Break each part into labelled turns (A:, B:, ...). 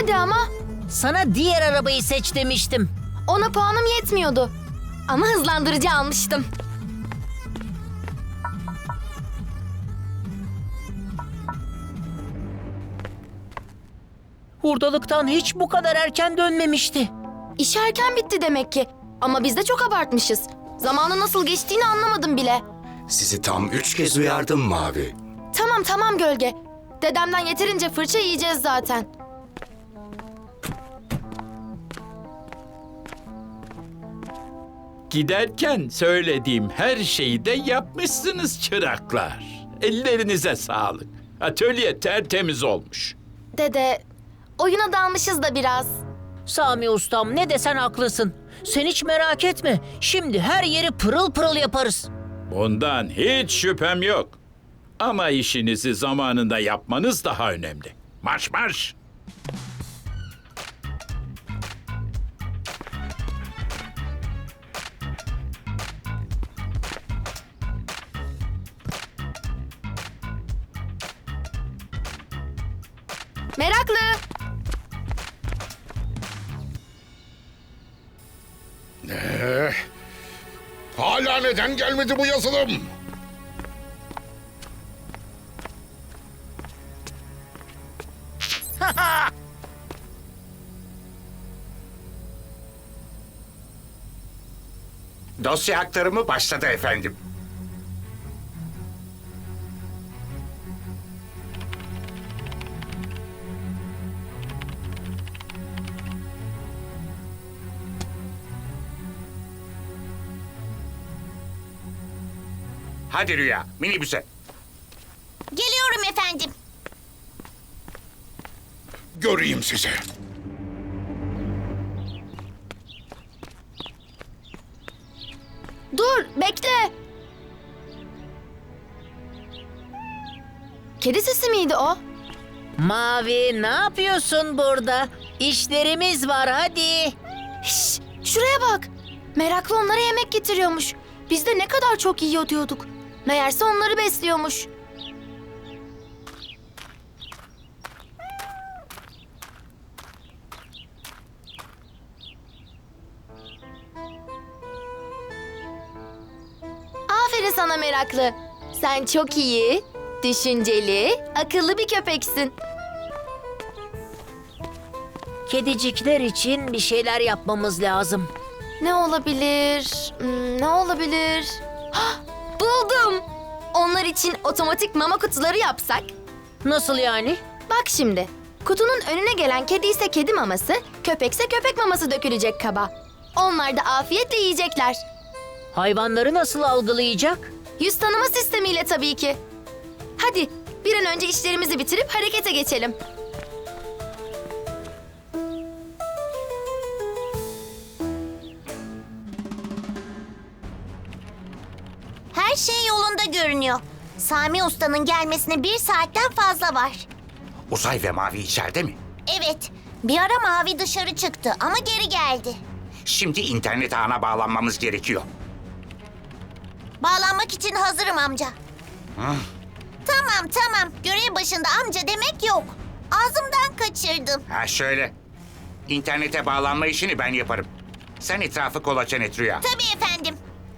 A: Hadi ama.
B: Sana diğer arabayı seç demiştim.
A: Ona puanım yetmiyordu. Ama hızlandırıcı almıştım.
B: Hurdalıktan hiç bu kadar erken dönmemişti.
A: İş erken bitti demek ki. Ama biz de çok abartmışız. Zamanın nasıl geçtiğini anlamadım bile.
C: Sizi tam 3 kez uyardım Mavi.
A: Tamam Gölge. Dedemden yeterince fırça yiyeceğiz zaten.
D: Giderken söylediğim her şeyi de yapmışsınız çıraklar. Ellerinize sağlık. Atölye tertemiz olmuş.
A: Dede, oyuna dalmışız da biraz.
B: Sami ustam ne desen haklısın. Sen hiç merak etme. Şimdi her yeri pırıl pırıl yaparız.
D: Bundan hiç şüphem yok. Ama işinizi zamanında yapmanız daha önemli. Marş marş!
A: Meraklı.
E: Hala neden gelmedi bu yazılım?
C: Dosya aktarımı başladı efendim. Hadi Rüya, minibüse.
F: Geliyorum efendim.
E: Göreyim sizi.
A: Dur, bekle. Kedi sesi miydi o?
B: Mavi ne yapıyorsun burada? İşlerimiz var hadi.
A: Şş, şuraya bak. Meraklı onlara yemek getiriyormuş. Biz de ne kadar çok yiyor diyorduk. Meğerse onları besliyormuş. Aferin sana Meraklı. Sen çok iyi, düşünceli, akıllı bir köpeksin.
B: Kedicikler için bir şeyler yapmamız lazım.
A: Ne olabilir? Ne olabilir? Hah, buldum. Onlar için otomatik mama kutuları yapsak.
B: Nasıl yani?
A: Bak şimdi. Kutunun önüne gelen kedi ise kedi maması, köpekse köpek maması dökülecek kaba. Onlar da afiyetle yiyecekler.
B: Hayvanları nasıl algılayacak?
A: Yüz tanıma sistemiyle tabii ki. Hadi bir an önce işlerimizi bitirip harekete geçelim.
F: Her şey yolunda görünüyor. Sami Usta'nın gelmesine 1 saatten fazla var.
C: Uzay ve Mavi içeride mi?
F: Evet, bir ara Mavi dışarı çıktı ama geri geldi.
C: Şimdi internet ağına bağlanmamız gerekiyor.
F: Bağlanmak için hazırım amca. Tamam. Görev başında amca demek yok. Ağzımdan kaçırdım.
C: Ha şöyle. İnternete bağlanma işini ben yaparım. Sen etrafı kolaçan et Rüya.
F: Tabii efendim.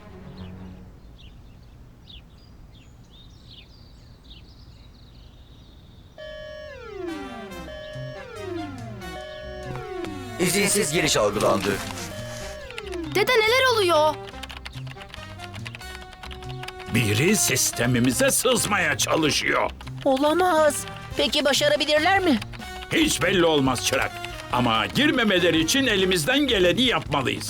G: İzinsiz giriş algılandı.
A: Dede neler oluyor?
D: Biri sistemimize sızmaya çalışıyor.
B: Olamaz. Peki başarabilirler mi?
D: Hiç belli olmaz çırak. Ama girmemeleri için elimizden geleni yapmalıyız.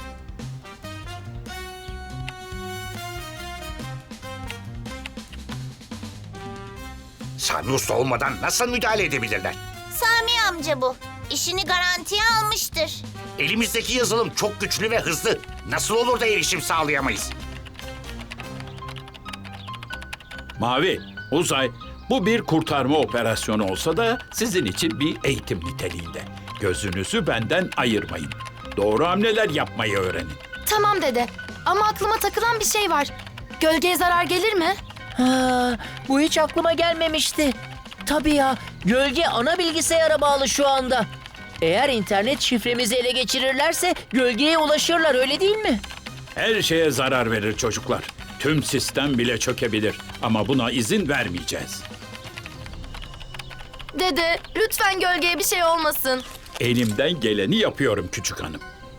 C: Sami Usta olmadan nasıl müdahale edebilirler?
F: Sami amca bu. İşini garantiye almıştır.
C: Elimizdeki yazılım çok güçlü ve hızlı. Nasıl olur da erişim sağlayamayız?
D: Mavi, Uzay, bu bir kurtarma operasyonu olsa da sizin için bir eğitim niteliğinde. Gözünüzü benden ayırmayın. Doğru hamleler yapmayı öğrenin.
A: Tamam dede. Ama aklıma takılan bir şey var. Gölgeye zarar gelir mi?
B: Ha, bu hiç aklıma gelmemişti. Tabii ya, gölge ana bilgisayara bağlı şu anda. Eğer internet şifremizi ele geçirirlerse gölgeye ulaşırlar, öyle değil mi?
D: Her şeye zarar verir çocuklar. Tüm sistem bile çökebilir. Ama buna izin vermeyeceğiz.
A: Dede, lütfen gölgeye bir şey olmasın.
D: Elimden geleni yapıyorum küçük hanım.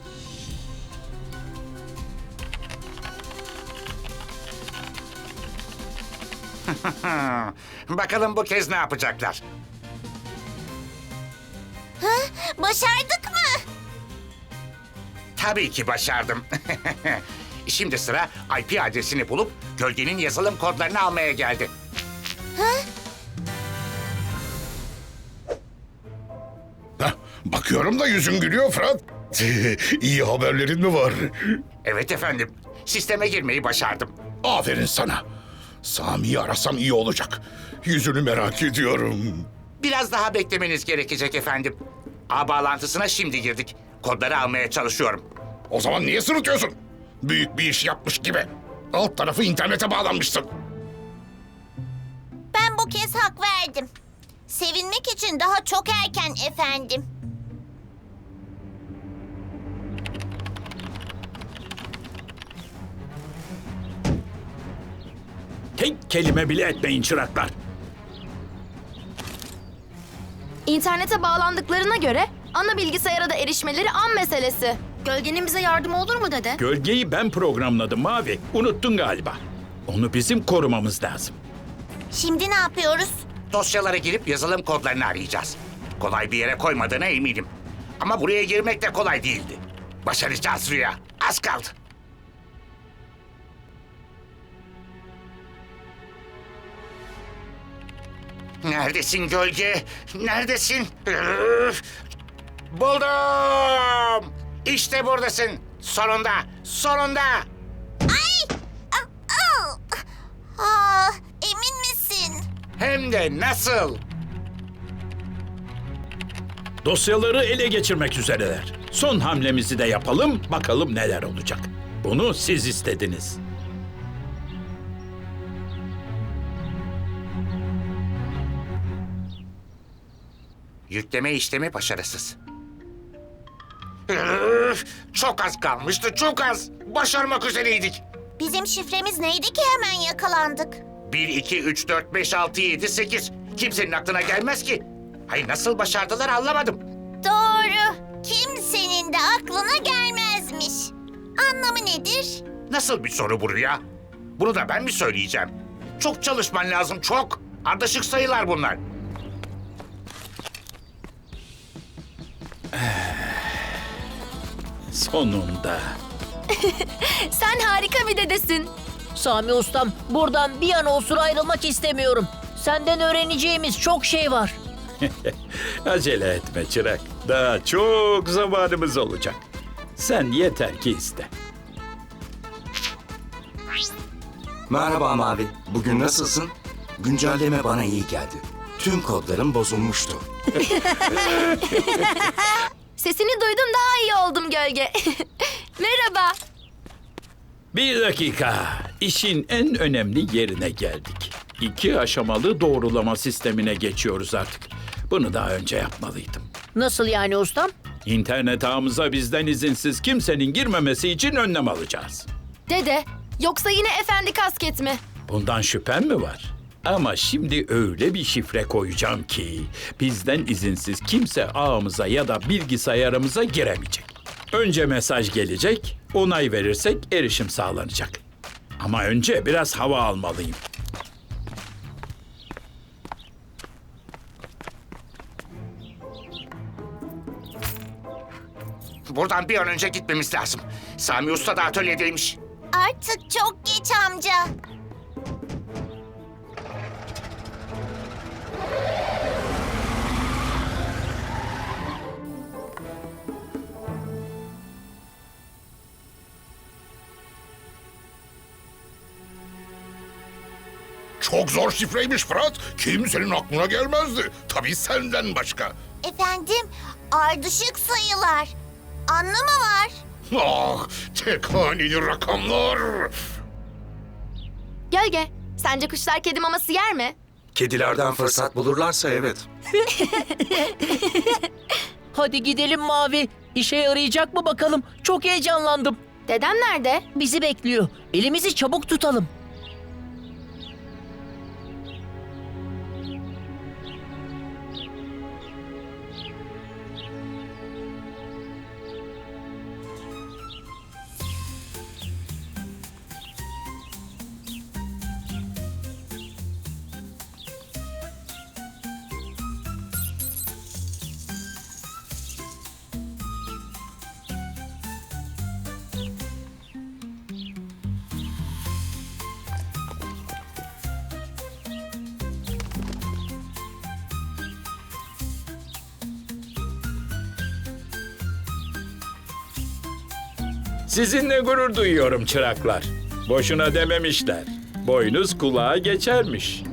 C: Bakalım bu kez ne yapacaklar?
F: Başardık mı?
C: Tabii ki başardım. Şimdi sıra IP adresini bulup gölgenin yazılım kodlarını almaya geldi.
E: Heh, bakıyorum da yüzün gülüyor Fırat. İyi haberlerin mi var?
C: Evet efendim. Sisteme girmeyi başardım.
E: Aferin sana. Sami'yi arasam iyi olacak. Yüzünü merak ediyorum.
C: Biraz daha beklemeniz gerekecek efendim. Ağ bağlantısına şimdi girdik. Kodları almaya çalışıyorum.
E: O zaman niye sırıtıyorsun? Büyük bir iş yapmış gibi. Alt tarafı internete bağlanmışsın.
F: Ben bu kez hak verdim. Sevinmek için daha çok erken efendim.
D: Tek kelime bile etmeyin çıraklar.
A: İnternete bağlandıklarına göre ana bilgisayara da erişmeleri an meselesi. Gölgenin bize yardımı olur mu dede?
D: Gölgeyi ben programladım Mavi. Unuttun galiba. Onu bizim korumamız lazım.
F: Şimdi ne yapıyoruz?
C: Dosyalara girip yazılım kodlarını arayacağız. Kolay bir yere koymadığına eminim. Ama buraya girmek de kolay değildi. Başaracağız Rüya. Az kaldı. Neredesin gölge? Neredesin? Buldum! İşte buradasın. Sonunda, sonunda.
F: Emin misin?
C: Hem de nasıl?
D: Dosyaları ele geçirmek üzereler. Son hamlemizi de yapalım, bakalım neler olacak. Bunu siz istediniz.
C: Yükleme işlemi başarısız. Çok az kalmıştı, çok az. Başarmak üzereydik.
F: Bizim şifremiz neydi ki hemen yakalandık?
C: 1, 2, 3, 4, 5, 6, 7, 8. Kimsenin aklına gelmez ki. Hayır, nasıl başardılar anlamadım.
F: Doğru. Kimsenin de aklına gelmezmiş. Anlamı nedir?
C: Nasıl bir soru bu Rüya? Bunu da ben mi söyleyeceğim? Çok çalışman lazım, çok. Ardışık sayılar bunlar.
D: Sonunda.
A: Sen harika bir dedesin.
B: Sami ustam, buradan bir an olsun ayrılmak istemiyorum. Senden öğreneceğimiz çok şey var.
D: Acele etme çırak. Daha çok zamanımız olacak. Sen yeter ki iste.
G: Merhaba Mavi. Bugün nasılsın? Güncelleme bana iyi geldi. Tüm kodlarım bozulmuştu.
A: Sesini duydum, daha iyi oldum gölge. Merhaba.
D: Bir dakika. İşin en önemli yerine geldik. 2 aşamalı doğrulama sistemine geçiyoruz artık. Bunu daha önce yapmalıydım.
B: Nasıl yani ustam?
D: İnternet ağımıza bizden izinsiz kimsenin girmemesi için önlem alacağız.
A: Dede, yoksa yine efendi kasket mi?
D: Bundan şüphen mi var? Ama şimdi öyle bir şifre koyacağım ki bizden izinsiz kimse ağımıza ya da bilgisayarımıza giremeyecek. Önce mesaj gelecek, onay verirsek erişim sağlanacak. Ama önce biraz hava almalıyım.
C: Buradan bir an önce gitmemiz lazım. Sami Usta da atölyedeymiş.
F: Artık çok geç amca.
E: Çok zor şifreymiş Fırat. Kimsenin aklına gelmezdi. Tabii senden başka.
F: Efendim, ardışık sayılar. Anlamı var.
E: Ah, tek haneli rakamlar.
A: Gölge, sence kuşlar kedi maması yer mi?
G: Kedilerden fırsat bulurlarsa evet.
B: Hadi gidelim Mavi. İşe yarayacak mı bakalım? Çok heyecanlandım.
A: Dedem nerede?
B: Bizi bekliyor. Elimizi çabuk tutalım.
D: Sizinle gurur duyuyorum çıraklar. Boşuna dememişler. Boynuz kulağa geçermiş.